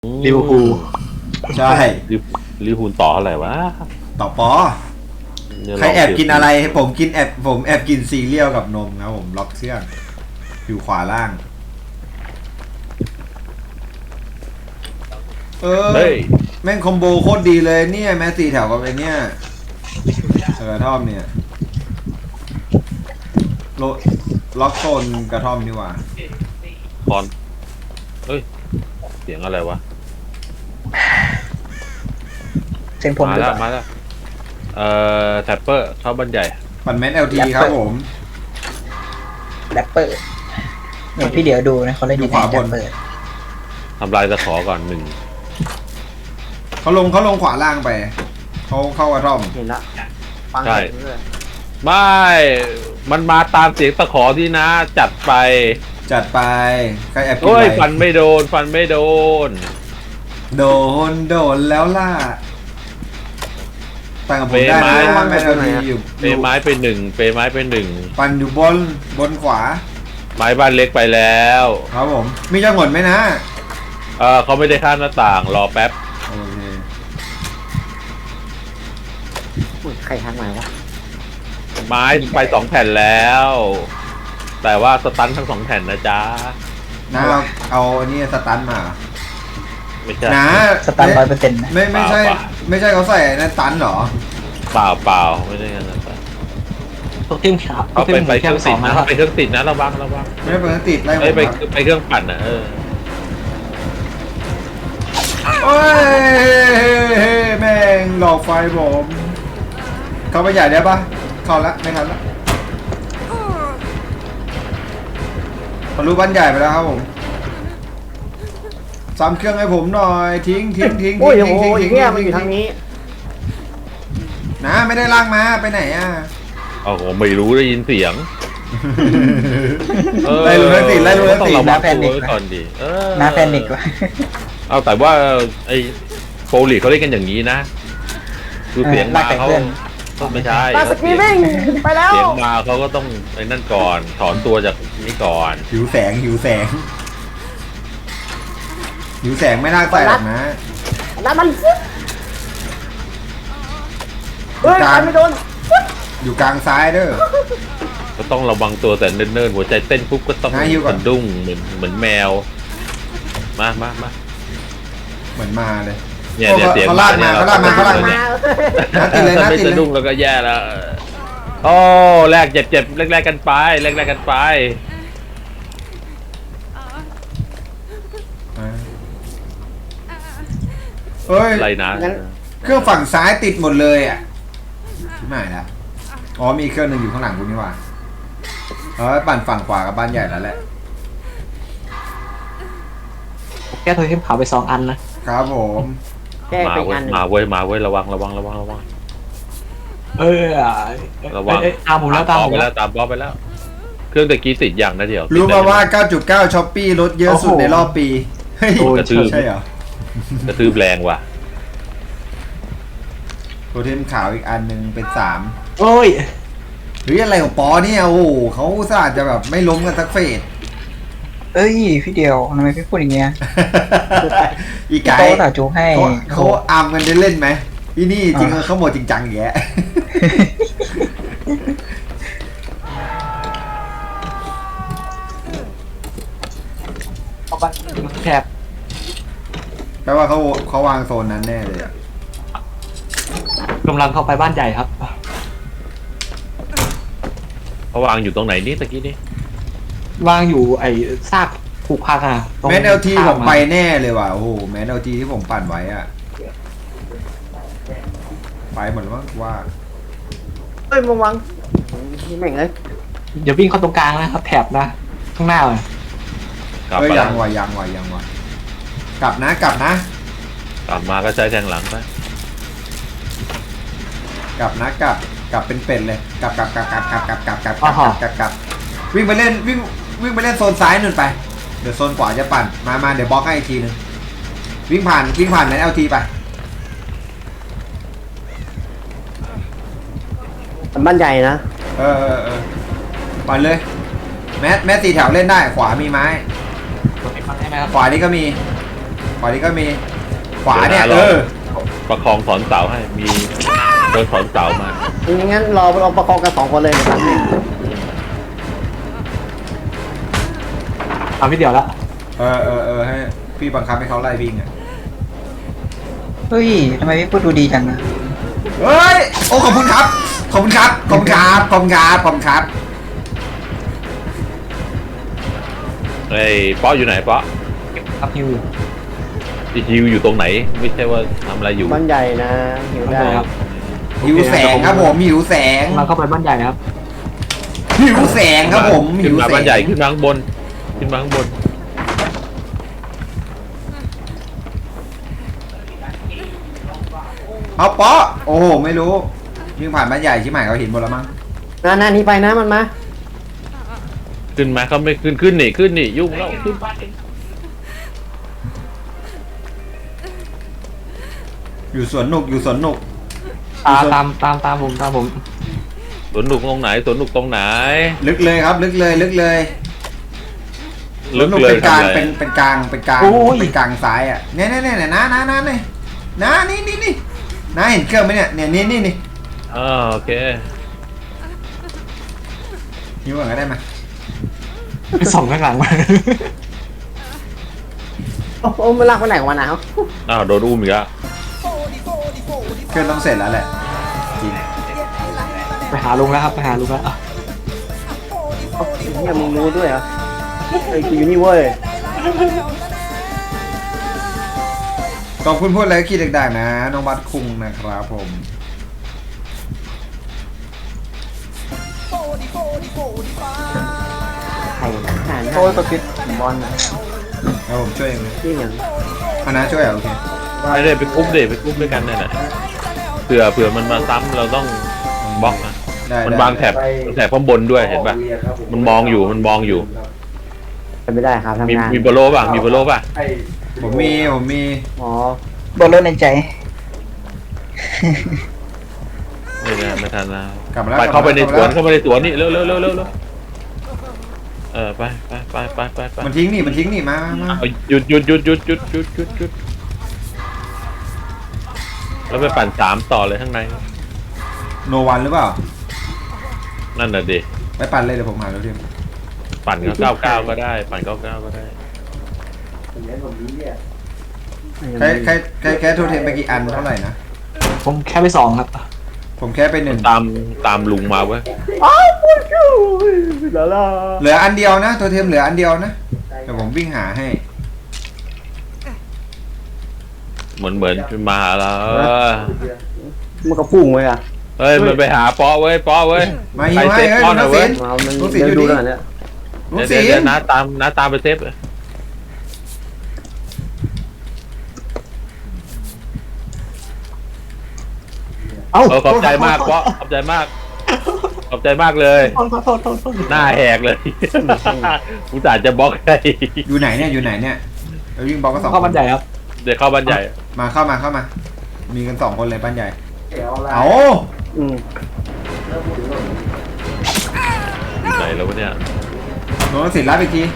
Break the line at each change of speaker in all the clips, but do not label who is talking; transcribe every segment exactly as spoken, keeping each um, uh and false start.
ลิเวอร์พูล
ใช่
ลิเวอร์พูลต่ออะไรวะ
ต่อปอใครแอบกินอะไรผมกินแอบผมแอบกินซีเรียลกับนมครับผมล็อกเครื่องอยู่ขวาล่างเออ
เฮ้ย
แม่งคอมโบโคตรดีเลยเนี่ยแม้สี่แถวกับไอ้เนี่ยกระท่อมเนี่ยโลล็อกโซนกระท่อมนี่หว่า
คอนเฮ้ยเสียงอะไรวะ
เสียงผม
มา
หรือ
แล้
เป
ว
ล่า
มาแล้วเอ่อแท็ปเปอร์เข้าบ้านใหญ่
ปั่นแมนเอลทีครับผม
แรปเปอร์เนี่ยพี่เดี๋ยวดูนะเขาเล่น
อยู่
ยังไง
ขวาบน
แรปเปอร์
ทำลายตะขอก่อนหนึ่ง
เขาลงเขาลงขวาล่างไปเขาเข้ากระท่อม
เห็นละฟัง
ใช่
เห็นเลย
ไม่มันมาตามเสียงตะขอที่นะ จัดไป
จัดไปใครแอบกิน
โอ้ย
อะไร
ฟันไม่โดน ฟันไม่โดน
โดนโดนแล้วล่ะต่างกับผ
เป
มได้
ไม้
นะแมนเอลทีอยู่
เปไม้ไปหนึ่งเปไม้ไปหนึ่ง
ปั่นอยู่บนบนขวา
ไม้บ้านเล็กไปแล้ว
ครับผมมีจังหวดไหมนะ
เออเขาไม่ได้ข้ามหน้าต่างรอแป๊บ
โอเค
อุ้ยใครทางไหนวะ
ไม้ไปสองแผ่นแล้ว แต่ว่าสตันทั้งสองแผ่นนะจ๊ะ
นะเราเอาอันนี้สตันมา
ไม่ใช่
นะ
สตาร์ร้อยเปอร์เซ็นต์นะ
ไม่ไม่ใช่
เปล่า
ไม่ใช่เขาใส่นั่นตันเหรอ
เปล่าเปล่าไม่ได้กันนะ
ตัวทีมขาว
เขาไปไปเครื่องติดนะไปเครื่องติดนะระวังระวัง
ไม่ได้เปิดติดไล่ผ
เอ้ย
ม
ไป
ครับ
ไปเครื่องปั่นอ่ะเออ
โอ้ยแม่งหลอกไฟผมเข้าไปใหญ่ได้ปะเข้าละไม่ทันละทะลุบ้านใหญ่ไปแล้วครับผมซ้ำเครื่องให้ผมหน่อยทิ้งทิ้งทิ้ง
โอ้ย
ทิ้ง
โอ้
ทิ้ง
ย
ทิ้ง
เนี่ย
ทิ้ง
มันอยู่ทางนี้
นะไม่ได้ลากมาไปไหนอ่ะ
โอ้โหไม่รู้ได้ยินเสียง
ไล่รู้ทั้งติดไล่รู้ทั้ง
ต้อง
ติด
ระวังตัวไว้ก่อนดิเออ
น้าแพนิกว่ะ
เอาแต่ว่าไอ้โปรลีกเขาเล่นกันอย่างนี้นะคือเสียงมาเขาไม่ใช่
ตาสกีวิ่งไปแล้ว
เสียงมาเขาก็ต้องไอ้นั่นก่อนถอนตัวจากนี้ก่อน
หิวแสงหิวแสงหิวแสงไม่น่าใส่หรอกนะ
แล้วมันฟึ๊บเฮ้ยใครไม่โดน
อยู่กลางซ้ายเด้อ
ก็ต้องระวังตัวแต่เนิ่นๆหัวใจเต้นปุ๊บก็ต้อง
หาหิวก่อน
สะดุ้งเหมือนเหมือนแมวมามามา
เหมือนมาเลย
เนี่ยเนี่ยเสียง
เขาลากมาเขาลากมาเขาลากมา น่าติดเลยน่า
ไม่
ติด
สะ
เล
ดุ้ง
ย
แล้วก็แย่แล้วโอ้แลกเจ็บเจ็บแลกแลกกันไปแลกแลกกันไป
เฮ้ย
อะไรนะ
งั้น
เครื่องฝั่งซ้ายติดหมดเลยอ่ะที่ไหนแล้วอ๋อมีเครื่องหนึ่งอยู่ข้างหลังกูนี่หว่าเออปั่นฝั่งขวากับบ้านใหญ่แล้วแหละ
แก้ตัวทีมขาวไปสองอันนะครับ
ผม
แก้
มา
ไปอีก
เว้
อั
ย
นหนึ่ง
มาเว้ยมาเว้ยระวังระวังระวังระวัง
เออ
ระวัง
เอ้ยตามผมแล้วตาม
บ
ผ
อ
ม
ไป
แล้
แล้ว วตามบอไปแล้ว เครื่องตะกี้ติดอย่างนะเดี๋ยว
รู้
ติด
มา
ได้
ว่า เก้าจุดเก้า ช้อปปี้ลดเยอะสุด
โอ้โห
ในรอบปีเฮ้ย
กระทืบ
ใช่เหรอก
ระทืบแรงว่ะ
โทเทมขาวอีกอันหนึ่งเป็นสาม
โอ้ย
หรืออะไรของปอเนี่ยโอ้โหเขาอุตส่าห์จะแบบไม่ล้มกันสักเฟส
เอ้ยพี่เดียวทำไมพี่พูดอย่างเงี้ย
อีก
พี่
ไก่
โต๊ะต่าจูให้
เขาเขาอามกันได้เล่นไหมอีนี่จริงๆเขาหมดจริงจังแยะ
เอาบัตรแถบ
แปลว่าเขาเขาวางโซนนั้นแน่เลยอะ
กำลังเข้าไปบ้านใหญ่ครับ
เขาวางอยู่ตรงไหนนี่ตะกี้นี่
วางอยู่ไอ้ซากผูกพังอ่ะตรง
แมนเอลที
ข้า
ผมไปแน่เลยว่ะโอ้โหแมนเอลทีที่ผมปั่นไว้อะไปหมดแล้วมั้งว่า
เฮ้ยมึงวังแม่งเลย
เดี๋ยววิ่งเข้าตรงกลางนะครับแถบนะ ข้างหน้าเลย
กลับ
เอ้ย
มา
ยังว่ะยังว่ะยังว่ะกลับนะกลับนะ
กลับมาก็ใช้แทงหลังไป
กลับนะกลับกลับเป็นเป็ดเลยกลับกลับกลับกลับกลับกลับกลับกลับกลับกลับกลับกลับวิ่งไปเล่นวิ่งวิ่งไปเล่นโซนซ้ายนู่นไปเดี๋ยวโซนขวาจะปั่นมามาเดี๋ยวบล็อกให้อีกทีนึงวิ่งผ่านวิ่งผ่านแมนเอลทีไป
บ้านใหญ่นะ
เออเออเออปั่นเลยแมสแมสสี่แถวเล่นได้ขวามีไม้
ตัวไหนฟังได้ไหมครับ
ขวานี่ก็มีขวานี้ก็มีขวาเนี่ยเออ
ประคองถอนเสาให้มีเดินถอนเสามา
งั้นรอเราประคองกันสองคนเลยนะครับ
ทำพี่เดียวละ
เออเออเออให้พี่บังคับให้เขาไล่วิ่งอ่ะ
เฮ้ยทำไมพี่พูดดูดีจังอะ
เฮ้ยโอ้ขอบคุณครับขอบคุณครับขอบคุณครับขอบคุณครับขอบคุณครับ
ไอ้ป๊ออยู่ไหนป๊อ
ครับฮิว
ไอ้ฮิวอยู่ตรงไหน ไม่ใช่ว่าทำอะไรอยู่
บ้านใหญ่นะหิวได้
ครับ
หิวแสงครับผมหิวแสง
มาเข้าไปบ้านใหญ่ครับ
หิวแสงครับผม
ขึ้
หิ
น
ว
มา
แส
บ้าง นใหญ่ขึ้นมาข้างบนขึ้นมาข้างบน
เอาเปาะโอ้โหไม่รู้วิ่งผ่านบ้านใหญ่ชิบหายเขาเห็นหมดแล้วมั้ง
นานานี้ไปนะมันมา
ขึ้นมาเขาไม่ขึ้นขึ้นนี่ขึ้นนี่ยุ่งแล้วขึ้นไป
อยู่สวนหนุกอยู่สวนหนุก
ตามตามตามตามผมตามผม
สวนหนุกตรงไหนสวนหนุกตรงไหน
ลึกเลยครับ ลึกเลยลึกเลยส
ลึ
วน
ก
หนุก
เลย
เป็นกลาง
ทำอะไร
เป็นเป็นกลางเป็นกลางเป็นกลางซ้ายอ่ะเนี่ยเนี่ยเนี่ยนะนะนะเนี่ยนะนี่นี่นี่นะเห็นเครื่องไหมเนี่ยเนี่ยนี่นี่นี่
อ่าโอเค
ยิ้มก่อนก็ได้ไหม
ไปส่องข้างหลังมา
โอ้โหมันลากไปไหนของมันนะเขา
อ้าวโดนอุ้มอีกแล้ว
เครื่องต้องเสร็จแล้วแหละจริง
ไปหาลุงแล้วครับไปหาลุงแล้ว
เนี่ยมึงรู้ด้วยเหรอไอ้กูอยู่นี่เว้ย
ขอบคุณพูดอะไรก็คิดดังๆนะน้องบัตคุงนะครับผม
ไข่หาน
โอ้ยประพิษบอลนะ
แล้วผมช่วยเองเลย
ที่อย่าง
เอานะช่วยเหรอโอเค
ไม่ได้ไปกรุ๊ปเดไปกรุ๊ปด้วยกันนั่นแหละเผื่อเผื่อมันมาซ้ำเราต้องบล็อกนะ
ได้
มัน
ได้
วางแถบแถบข้างบนด้วยเห็นป่ะมันมองอยู่มันมองอยู่
เป็นไม่ได้ครับ
มี
ทำงาน
มีโบโลป่ะมีโบโลป่ะ
ผมมีผมมี
อ๋อบ
อลรถในใจ
ไม่ได้ไม่ทันแล้ว
กลับมาแล้ว
ไปเข้าไปในสวน
กลับมาแล้ว
เข้าไปในสวนนี่เร็วเร็วเร็วเร็วเร็วเออไปไปไปไปไปไป
มันทิ้งนี่มันทิ้งนี่มามามา
เอาหยุดหยุดหยุดหยุดหยุดหยุดหยุดหยุดแล้วไปปั่นสามต่อเลยข้างใน
โนวันหรือเปล่า
นั่นน่ะดิ
ไปปั่นเลยเดี๋ยวผมหาแล้วทีม
ปั่นก็เก้าเก้าก็ได้ ปั่นเก้าเก้าก็ได้
แค่แค่แค่แค่โทรเทมไปกี่อันเท่าไหร่นะ
ผมแค่ไปสองครับ
ผมแค่ไปหนึ่ง
ตามตามลุงมาเว้ย
อ้าวพูดอยู่แล้วล่ะ
เหลืออันเดียวนะโทรเทมเหลืออันเดียวนะเดี๋ยวผมวิ่งหาให้
เหมือนเหมือนมาแล้ว
มันก็พุ่งไว้อะ
เฮ้ยมันไปหาป๊อเว้ยป๊อเว้ย
มาฮิวให้
เซฟ
เฮ้ย
ป๊อหน่
น้
อ
อย ง
เว้
ศิ
ย
ลป์
เอามัน
ลูกศิษย์
เดี๋ยว
อยู่
ดู
นี่
แล้วกันเนี่ย
ลูก
เดี๋ยว
ศิษ
เดี๋ยว
ย์
น้าตามน้าตามไปเซฟเลย
เอ้า
เออขอบใจมากป๊อขอบใจมากขอบใจมากเลย
โทษโทษโทษโทษ
หน้าแหกเลยกูจ่าห์จะบล็อกให้
อยู่ไหนเนี่ยอยู่ไหนเนี่ยเราวิ่งบล็อกก็สอง
เข้าบ้านใหญ่ครับ
เดี๋ยวเข้าบ้านใหญ่
มาเข้ามาเข้ามา มีกันสองคนเลยบ้านใหญ่เอา
อืม
อยู่ไหนแล้ววะเนี่ย
น้องศิลป์รับอีกที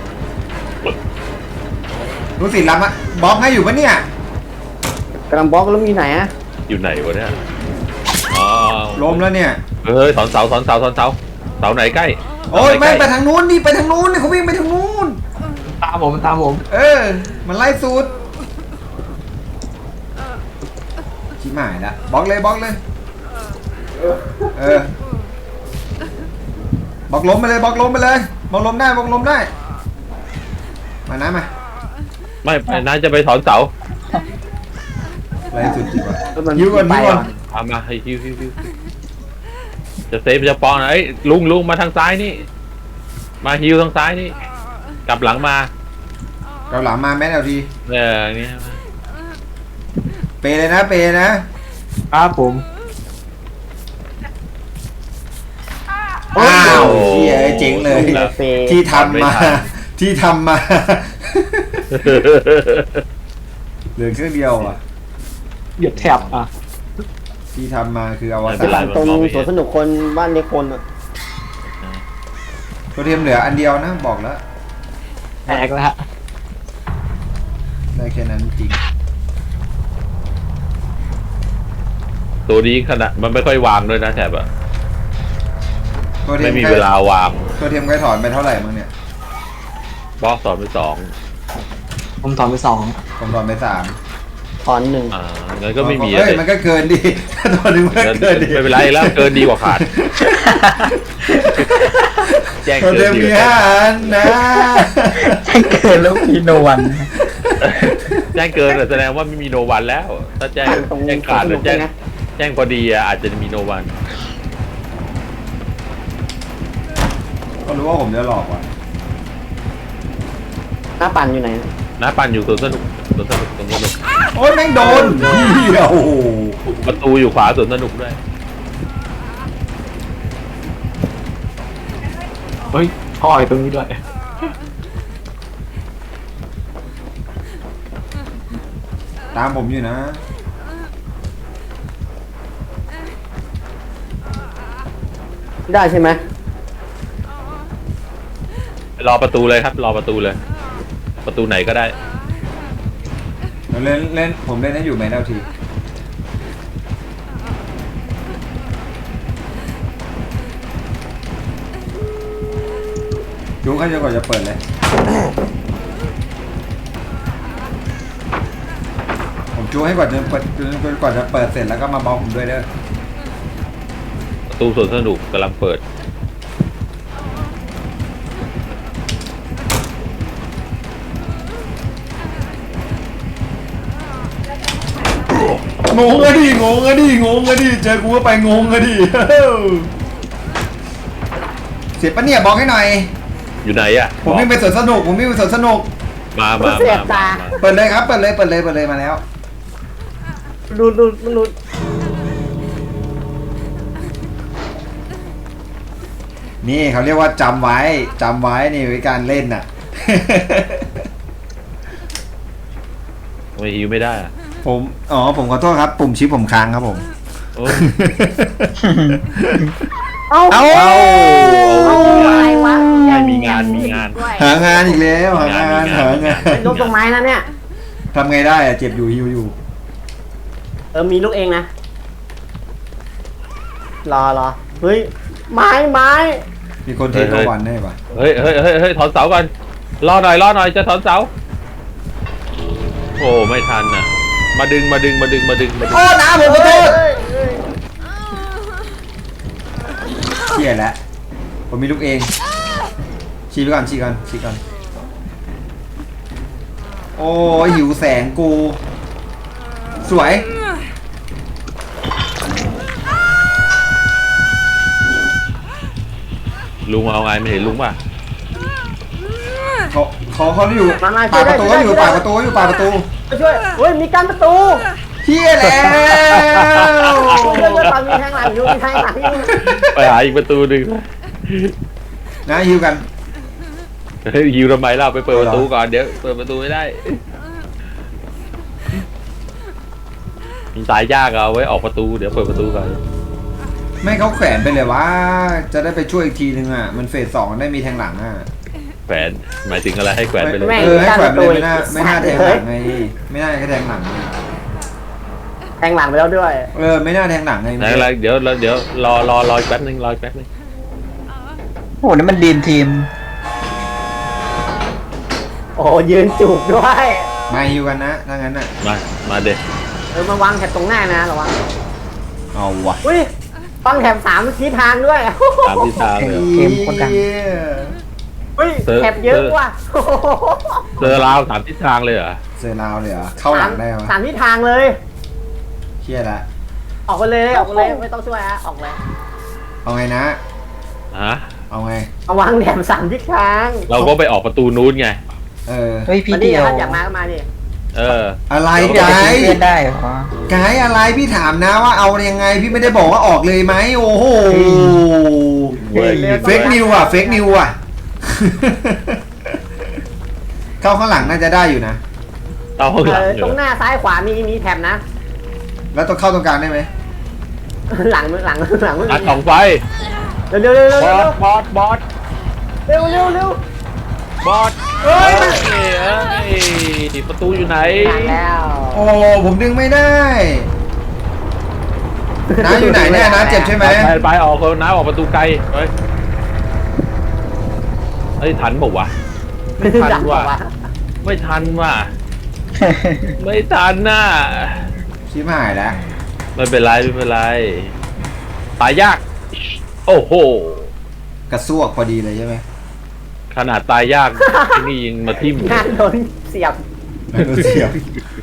น้องศิลป์รับอะบล็อกให้อยู่ปะเนี่ย
กำลังบล็อกแล้วมีไหนอะ
อยู่ไหนวะเนี่ยอ๋อ
ล้มแล้วเนี่ย
เฮ้ยถอนเสาถอนเสาถอนเสาเสาไหนใกล้
โอ้ย
เสาหน
ไม่
ใกล้
ไปทางนู้นดิไปทางนู้นนี่เขาวิ่งไปทางนู้น
ตามผมตามผม
เออ มันไล่สูตรชิบหายละบล็อกเลยบล็อกเลยเออบล็อกล้มไปเลยบล็อกล้มไปเลยบล็อกล้มได้บล็อกล้มได้มานะมา
ไม่ไม่น่าจะไปถอนเสา
ไล่สุดจริงวะ
แล้วมัน
ยิ้วก่อน
ไป
ยิ้วก่อน
อะ
เอามาให้ฮิวฮิวฮิวจะเซฟจะปอนนะเอ้ยลุงลุงมาทางซ้ายนี่ มาฮิวทางซ้ายนี่ กลับหลังมา
เราหลังมาแม่เอาที
เอออย่างนี่
เปเลยนะเปนะครับ
ผม
อ้าวเฮียเจ๋งเลย
เฟย์
ที่ทำมา ที่ทำมาเหลือเครื่องเดียวอ่ะ
เหยียบแถบอ่ะ
ที่ทำมาคืออว
ไม่
สา
เป็นไร
น
ตรงสวนสนุกคนบ้านเล็กคนอะ
ตัวเทียมเหลืออันเดียวนะบอกแล้ว
แตกแล้วฮะ
แได้แค่นั้นจริง
ตัวนี้ขนาดมันไม่ค่อยวางด้วยนะแถบอะ
ตัวเทีย
ไม่
ม
มี
ใกล้
เวลาวาง
ตัวเทียมใกล้ถอนไปเท่าไหร่มั้งเนี่ย
บล็อกสอนไปสอง
ผมถอนไปสอง
ผมถอนไปสาม
ถอนหนึ่ง
อ่างั้นก็ไม่มี
เอ้
อะ
ย
ไร
มันก็เกินดี ตัวหนึงมันก็เกินดี
ไม่เป็นไรแล้วเกินดีกว่าขาด แจ้ง
ตัว
เกิ
เทีย
น
ม
ดี
มี
กว่า
ห้า
ขาด
อันนะ
แจ้งเกินแล้วมีโนวัน
แจ้งเกินอะแสดงว่าไม่มีโนวันแล้ว ถ้าแจ้ง
ตรง
แจ้งขาดหรือแจ้ง
นะ
แจ้งพอดีอะอาจจะมีโนวัน
ก็รู้ว่าผมจะหลอกว่ะ
หน้าปั่นอยู่ไหน
น้าปั่นอยู่สวนสนุกสวนสนุกสวนสนุก
โอ้ยแม่งโดนเหี้ยโอ้โห
ประตูอยู่ขวาสวนสนุกด้วย
เฮ้ยท่ออยู่ตรงนี้ด้วย
ตามผมอยู่นะ
ได้ใช่ไหม
รอประตูเลยครับ รอประตูเลย ประตูไหนก็ได้
เล่นเล่นผมเล่นให้อยู่แมนเอลทีดูกันจนกว่าจะเปิดเลย ผมจูให้ก่อนจนเปิดจนกว่าจะเปิดเสร็จแล้วก็มาบอกผมด้วยเด้อ
ประตูสวนสนุกกำลังเปิด
งงอะดิงงอะดิงงอะดิเจอกูก็ไปงงอะดิ เสียปะเนี่ยบอกให้หน่อย
อยู่ไหนอะ
ผมวิ่งไปสวนสนุกผมวิ่งไปสวนสนุก
มามา
เสีย
มา
ตา
มา
เปิดเลยครับเปิดเลยเปิดเลยเปิดเลยมาแล้ว
ดูดูมันดู
นี่เขาเรียกว่าจำไว้จำไว้นี่วิการเล่นน่ะ
ทำไมฮิวไม่ได้อะ
ผมอ๋อผมขอโทษครับ ปุ่มชิปผมค้างครับผม
โอ้
เอ้า
เอ้า
เอาอะไรวะ
ไม่มีงานมีงาน
หางานอีกแล้วหางาน
มีงาน
หางาน
เป็นลูกตรงไม้นะเนี่ย
ทำไงได้อะเจ็บอยู่หิวอยู่
เออมีลูกเองนะ รอรอเฮ้ยไม้ไม้
มีคนเทควันได้ปะ
เฮ้ยเฮ้ยเฮ้ยเฮ้ยถอนเสาก่อนรอหน่อยรอหน่อยจะถอนเสาโอ้ไม่ทันอ่ะ มาดึงมาดึงมาดึงมาดึงมาดึง
โอ้น้าผมขอโทษ
เฮ้ยเฮ้ย
เชี่ยแล้วผมมีลูกเองชี้ไปก่อนชี้ก่อนชี้ก่อนโอ้ยหิวแสงกู สวย
ลุงเอาไงไม่เห็นลุงป่ะ
เขาเขาเขาอยู่
มามา
ปากประตู
ช่วยได้
อยู่
ช่วยได้
ปากประตูอยู่ปากประตู
มาช่วยเฮ้ยมีกั้นประตู
เฮียแล้ว
ช่วยช่วยช่วยมีแทงหลังอยู่มีแทงหลังอยู่
ไปหาอีกประตูหนึ่ง
นะฮิวกัน
เฮ้ยยิวทำไมเราไปเปิดประตูก่อนเดี๋ยวเปิดประตูไม่ได้มีสายยากเอาไว้ออกประตูเดี๋ยวเปิดประตูก่อน
ไม่เขาแขวนไปเลยว่าจะได้ไปช่วยอีกทีนึงอ่ะมันเฟสสองได้มีแทงหลังอ่ะ
แขวนหมายถึงอะไรให้แขวนไปเลย
เออให้แขวนไปเลยไม่น่าไม่น่าแทงหลังไงไม่น่าแค่แทงหลังไง
แทงหลังไปแล้วด้วย
เออไม่น่าแทงหลังไง
ไหนอะไรเดี๋ยวเดี๋ยวรอรอรออีกแป๊บนึงรออีกแป๊บนึง
โอ้โหนี่มันดีมทีม
โอ้ยืนจูบด้วย
มาฮิวกันนะถ้างั้นอ่ะ
มามาเด็ก
เออมาวางแถบตรงหน้านะระวัง
เอาวะ
อุ้ยวางแถบสามทิศทางด้วย
ตามที่ทางเลย
เกมโคตรดัง
อุ้ยแถบเยอะว่ะ
เจอราวสามทิศทางเลยเหรอ
เซราวเลยเหรอเข้าหลังได้ปะ
สามทิศทางเลย
เครียดละ
ออกไปเลยออกไปเลยไม่ต้องช่วยฮะออกเลย
เอาไงนะ
ฮะ
เอาไง
เอาวางแถบสามทิศทาง
เราก็ไปออกประตูนู้นไง
เออ
เฮ้ยพี่
มาดิ
เดียว
ท่านอยากมาก็มาดิ
เออ
อะไร
พี่เดียว
ไก
จะ
ด์
เล่นได้เหรอ
ไกด์อะไรพี่ถามนะว่าเอายังไงพี่ไม่ได้บอกว่าออกเลยไหมโอ้โห
เว้ย
เฟกนิวอ่ะเฟกนิวอ่ะ เข้าข้างหลังน่าจะได้อยู่นะ
เอาข้างหลัง
เออ
อ
ตร
ยู่
งหน้าซ้ายขวามีมีแถบนะ
แล้วต้องเข้าตรงกลางได้ไหม
หลังหลังหลัง
อัดสองไฟ
เร็วเร็วเร็ว
บ
เร็
อ
ว
สบอสบอส
เร็วเร็วเร็ว
บอส
เฮ้ย
เอ้ยเอ้ยประตูอยู่ไหน
นานแล้ว
โอ้ผมดึงไม่ได้น้าอยู่ไหนเนี่ยน้าเจ็บใช่ไหม
ไปไปออกคนน้าออกประตูไกลเฮ้ยเฮ้ยทันบอกว่าวะไม่ทันว่ะไม่ทันว่ะไม่ทันน่ะ
ชิบหายแล้ว
ไม่เป็นไรไม่เป็นไรตายยาก โอ้โห
กระซวกพอดีเลยใช่ไหม
ขนาดตายยากไอ้นี่ยังมาทิ่ม
งานโดนเสียบ
แล้วเสียว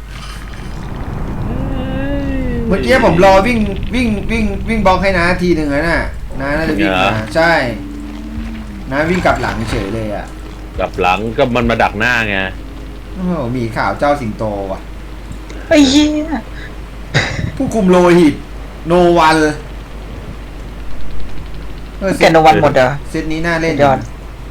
เมื่อกี้ผมรอวิ่งวิ่งวิ่งวิ่งบล็อกให้น้าทีหนึ่งแล้วน่ะน้าน่าจะวิ่งมาใช่น้าวิ่งกลับหลังเฉยเลยอ่ะ
กลับหลังก็มันมาดักหน้าไง
โอ้โหหมีขาวเจ้าสิงโตว่ะ
ไอ้เหี้ย
ผู้คุมโลหิตโนวันเออ
แกนวันหมดเหรอ
เซตนี้น่าเล่น
ยอด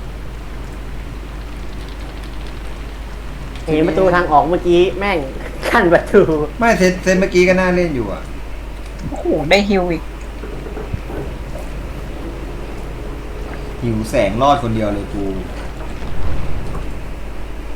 เห็นประตูทางออกเมื่อกี้แม่งขั้นประตู
ไม่เซตเซตเมื่อกี้ก็น่าเล่นอยู่อ่ะ
โอ้โหได้ฮิวอีก
หิวแสงรอดคนเดียวเลยกู